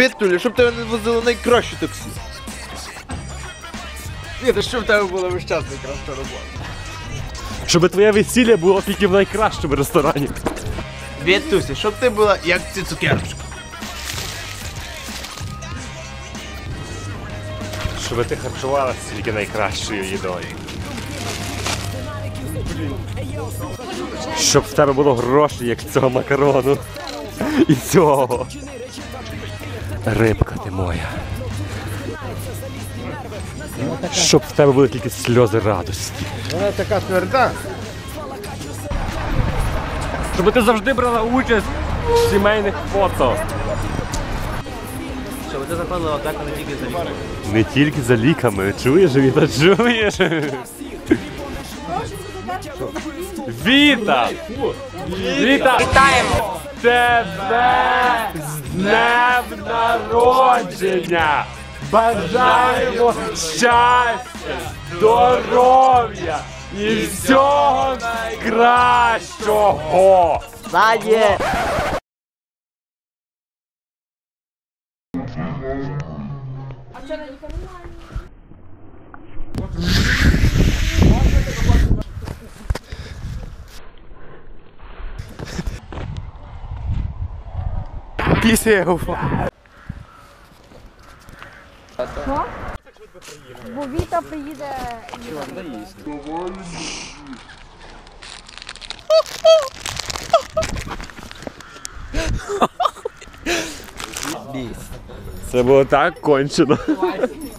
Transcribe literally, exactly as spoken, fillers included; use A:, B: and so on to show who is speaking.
A: Вітулі, щоб тебе не возили найкраще таксі. Ні, то щоб в тебе була весь час найкраща робота.
B: Щоб твоє весілля було тільки в найкращому ресторані.
A: Вітусі, щоб ти була як ці цукерочки.
B: Щоб ти харчувалася тільки найкращою їдою. Щоб в тебе було гроші, як цього макарону. І цього. Рибка ти моя. Щоб в тебе були тільки сльози радості.
A: Вона така тверда.
B: Щоб ти завжди брала участь в сімейних фото.
A: Щоб ти заходила так, а не тільки за ліками.
B: Не тільки за ліками. Чуєш, Віта, чуєш? Віта! Віта!
C: Вітаємо!
B: Тебе з днем народження! Бажаємо щастя, здоров'я і всього найкращого!
A: Задє! Після уфа.
D: Що? Бо Віта приїде.
B: Це було так кончено.